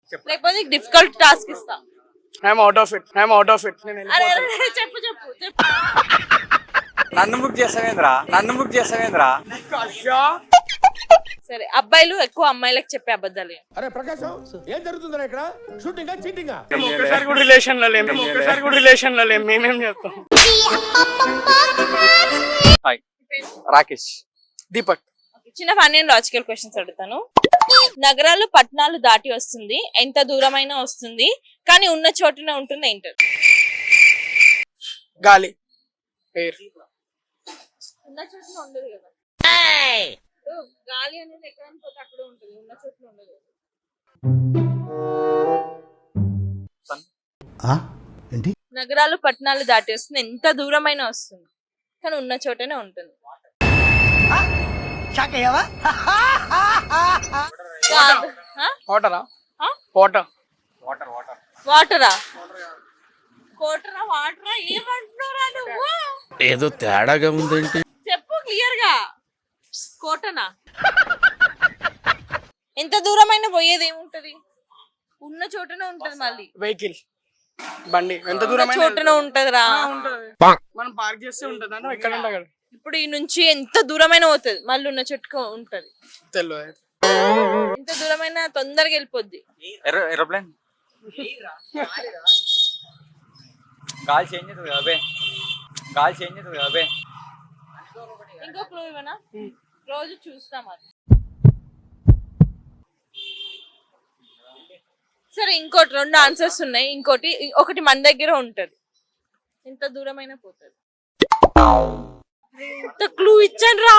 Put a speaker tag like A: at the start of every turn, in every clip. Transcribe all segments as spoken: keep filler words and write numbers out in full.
A: లేకపోతే difficult task ఇస్తా.
B: I'm out of it I'm out of it
A: అరే అరే చెప్పు చెప్పు చెప్పు.
C: నన్ను బుక్ చేసావేంద్రా నన్ను బుక్ చేసావేంద్రా
A: సరే, అబ్బాయిలు ఎక్కువ అమ్మాయిలకు చెప్పే అబద్ధాలు.
D: అరే ప్రకాశం ఏం జరుగుతుందిరా ఇక్కడ? Shooting cheating?
B: ఒక్కసారి కూడా రిలేషన్ లో లేము ఒక్కసారి కూడా రిలేషన్ లో లేము మేమేం చెప్తాం.
C: హాయ్ రాకేష్.
B: దీపక్.
A: చిన్న ఫన్నీ అండ్ లాజికల్ క్వశ్చన్స్ అడుగుతాను. నగరాలు పట్టణాలు దాటి వస్తుంది, ఎంత దూరమైనా వస్తుంది, కానీ ఉన్న చోటునే ఉంటుంది ఏంటది?
B: గాలి. ఎయిర్.
A: ఉన్న చోటున ఉండదు కదా. గాలి అనేది ఎక్కడానికి పోతే అక్కడే ఉంటుంది, ఉన్న చోటున ఉండదు.
D: ఏంటి?
A: నగరాలు పట్టణాలు దాటి వస్తుంది, ఎంత దూరమైనా వస్తుంది, కానీ ఉన్న చోటనే ఉంటుంది.
B: వాటరా వాటర్
C: వాటర్ వాటర్
A: వాటరా కోటరా వాటరా ఏమంటున్నారా నువ్వు?
D: ఏదో తేడాగా ఉందేంటి?
A: చెప్పు క్లియర్ గా. కోటనా? ఎంత దూరమైనా పోయేది ఏముంటది, ఉన్న చోటనే ఉంటది. మళ్ళీ
B: వెహికల్ బండి ఎంత దూరం
A: చోటనే ఉంటదిరా.
B: మనం పార్క్ చేస్తే ఉంటది అంటే ఎక్కడ ఉంటే అక్కడ.
A: ఇప్పుడు ఈ నుంచి ఎంత దూరమైనా పోతుంది, మళ్ళీ ఉన్న చోటుకు ఉంటది.
B: తెలియదు.
A: ఎంత దూరమైనా తొందరగా వెళ్ళిపోద్ది.
C: ఏరోప్లేన్. గాలి చేంజ్ అవుతుంది కదా బే గాలి చేంజ్ అవుతుంది కదా బే
A: ఇంకో క్లూ ఇవ్వనా? రోజు చూస్తాం అది. సరే, ఇంకోటి రెండు ఆన్సర్స్ ఉన్నాయి. ఇంకోటి ఒకటి మన దగ్గర ఉంటది, ఎంత దూరమైనా పోతుంది. ఇంత క్లూ ఇచ్చాను రా,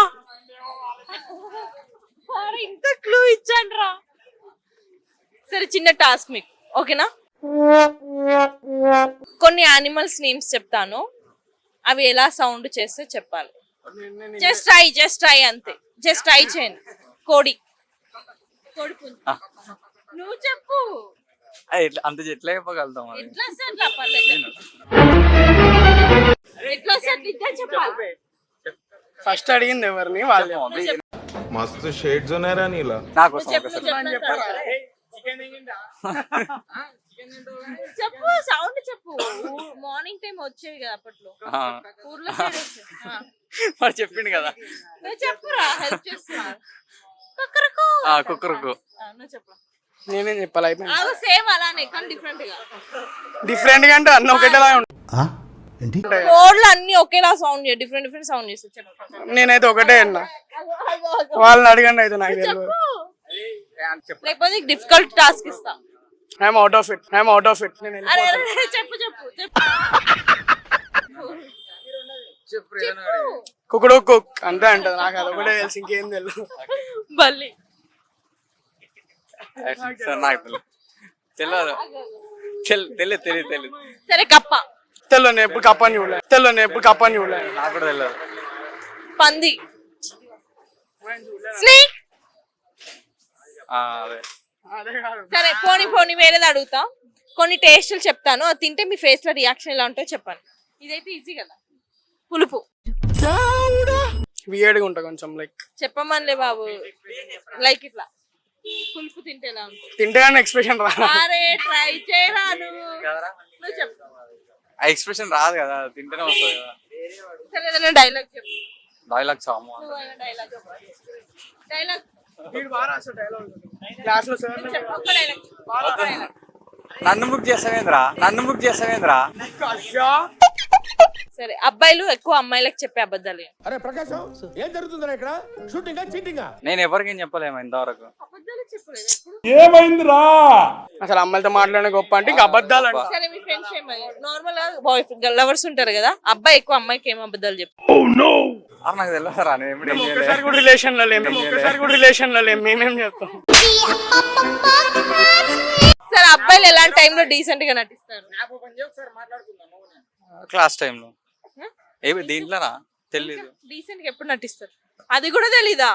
A: ఇంత క్లూ ఇచ్చాను రా. సరే, చిన్న టాస్క్ మీకు, ఓకేనా? కొన్ని యానిమల్స్ నేమ్స్ చెప్తాను, అవి ఎలా సౌండ్ చేస్తే చెప్పాలి. జస్ట్ ట్రై జస్ట్ ట్రై అంతే, జస్ట్ ట్రై చేయండి. కోడి. కోడి పుంజు. నువ్వు చెప్పు.
C: అంత ఎట్లా చెప్పగలుగుతాం?
A: ఎట్లా వస్తే అట్లా పర్లేదు. ఎట్లా వస్తే అట్లా ఇద్దరు చెప్పాలి.
B: ఫస్ట్ అడిగింది ఎవరిని? వాళ్ళు.
D: మస్తు షేడ్స్ ఉన్నాయరా నీలా.
C: నాకు
A: చెప్పు, సౌండ్ చెప్పు. మార్నింగ్ టైం వచ్చేవి కదా అప్పట్లో ఊర్లో.
C: మరి చెప్పిండు కదా.
A: నువ్వు చెప్పురా, హెల్ప్ చేస్తున్నా.
C: కుక్కరుకు.
A: నువ్వు చెప్పు.
B: నేనేం చెప్పాలి? అయిపోయింది.
A: సేమ్ అలానే కానీ డిఫరెంట్ గా.
B: డిఫరెంట్ గా అంటే అన్ని ఒకటేలా
D: ఏంటి?
A: కోడ్లు అన్ని ఒకేలా సౌండ్ చేయ, డిఫరెంట్ డిఫరెంట్ సౌండ్ చేస్తారు. చెప్పు.
B: నేనైతే ఒకటే అన్నా, వాళ్ళని అడగండి అయితే నాకు తెలియదు.
A: లేకపోతే డిఫికల్ట్ టాస్క్ ఇస్తా.
B: I'm out of it I'm out of it
A: అరే చెప్పు చెప్పు చెప్పు.
B: కుక్కుడు కుక్ అంతే అంటది. నాకు అది ఒకటే తెలుసు, ఇంకేం తెలియదు.
A: బల్లి.
C: నాకు తెలియదు తెలియదు తెలియదు తెలియదు.
A: సరే, కప్ప.
B: తెల్లో నేను ఎప్పుడు కప్పని చూడలే. తెల్లో నేను ఎప్పుడు కప్పని చూడలే.
C: నాకు కూడా తెలియదు.
A: పంది. స్నేక్.
C: అదే.
A: సరే, పోనీ పోనీ వేరేది అడుగుతా. కొన్ని టేస్టులు చెప్తాను, అది తింటే మీ ఫేస్ లో రియాక్షన్ ఎలా ఉంటుందో చెప్పండి. ఇదైతే ఈజీ కదా. పులుపు.
B: వియర్డ్ గా ఉంటా కొంచెం. లైక్
A: చెప్పమనిలే బాబు. లైక్ ఇట్లా పులుపు తింటే ఎలా ఉంటుంది?
B: తింటే కానీ ఎక్స్ప్రెషన్ రా.
A: అరే ట్రై చేయరా నువ్వు. నువ్వు చెప్పు.
C: ఆ ఎక్స్ప్రెషన్ రాదు కదా, తింటేనే వస్తుంది కదా.
A: సరే, ఏదైనా డైలాగ్ చెప్పు.
C: డైలాగ్ సాము.
A: డైలాగ్ డైలాగ్
B: క్లాస్ లో సార్
A: చెప్పు. ఒక్క డైలాగ్.
C: నన్ను బుక్ చేసావేంద్రా నన్ను బుక్ చేసావేంద్రా
A: సరే, అబ్బాయిలు ఎక్కువ అమ్మాయిలకు చెప్పే అబద్ధాలు.
D: అరే ప్రకాశం ఏం జరుగుతుందిరా ఇక్కడ? Shooting cheating?
C: నేను ఎవరికేం చెప్పలేము ఇంతవరకు.
A: అబద్ధాలు చెప్పలేదు ఎప్పుడు.
D: ఏమైందిరా?
B: అసలు అమ్మాయిలతో మాట్లాడే గొప్ప అంటే ఇంకా అబద్ధాలు అంటే.
A: సరే, మీ ఫ్రెండ్స్ ఏమయ్యారు? నార్మల్ గా బాయ్ లవర్స్ ఉంటారు కదా, అబ్బాయి ఎక్కువ అమ్మాయికి ఏం అబద్ధాలు చెప్పు.
C: అరే నాకు తెలియదురా, నేను
B: ఒక్కసారి కూడా రిలేషన్ లో లేము ఒక్కసారి కూడా రిలేషన్ లో లేము మేమేం చెప్తాం.
A: సరే, అబ్బాయిలు ఎలాంటి టైంలో డీసెంట్ గా నటిస్తారు?
C: క్లాస్ టైంలో. ఏ దీంట్లోనా? తెలీదు.
A: డీసెంట్ గా ఎప్పుడు నటిస్తారు? అది కూడా తెలీదా?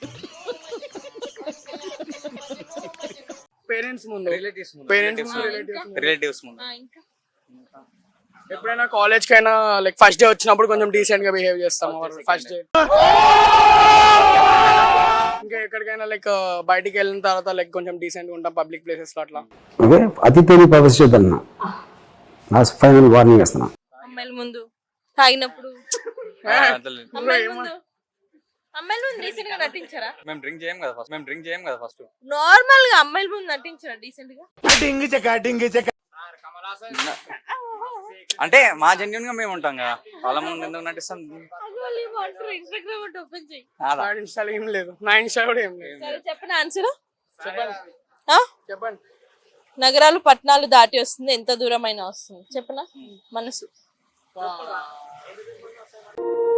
B: పేరెంట్స్ ముందు,
C: రిలేటివ్స్ ముందు.
B: పేరెంట్స్
C: రిలేటివ్స్ ముందు.
A: ఇంకా
B: ఎప్పుడైనా కాలేజ్ కైనా లైక్ ఫస్ట్ డే వచ్చినప్పుడు కొంచెం డీసెంట్ గా బిహేవ్ చేస్తాం. ఫస్ట్ డే ఇంకా ఎక్కడికైనా లైక్ బయటికి వెళ్ళిన తర్వాత లైక్ కొంచెం డీసెంట్ గా ఉంటాం పబ్లిక్ ప్లేసెస్ లో అట్లా.
E: ఓకే, అతిథిని ప్రదర్శిద్దన్న నా ఫైనల్ వార్నింగ్ ఇస్తున్నా.
A: అమ్మాయిల ముందు తాగినప్పుడు
C: ఆ, అంతలేదు.
A: అమ్మాయిల ముందు అమ్మాయిల ముందు డీసెంట్ గా నటించారా?
C: మేము డ్రింక్ చేయం కదా ఫస్ట్ మేము డ్రింక్ చేయం కదా ఫస్ట్
A: నార్మల్ గా అమ్మాయిల ముందు నటించారా డీసెంట్ గా?
D: డింగి చెక్క డింగి చెక్క
C: అంటే మా జెన్యున్ గా మేము ఉంటాం కదా వాళ్ళ ముందు ఎందుకు నటిస్తాం
A: ఇన్స్టాగ్రామ్ ఓపెన్ చేయి.
C: అలా.
B: నా ఇన్స్టాలో ఏం లేదు, నా ఇన్స్టా కూడా ఏం లేదు.
A: సరే చెప్పండి ఆన్సర్.
B: చెప్పండి చెప్పండి.
A: నగరాలు పట్టణాలు దాటి వస్తుంది, ఎంత దూరం అయినా వస్తుంది చెప్పనా? మనసు.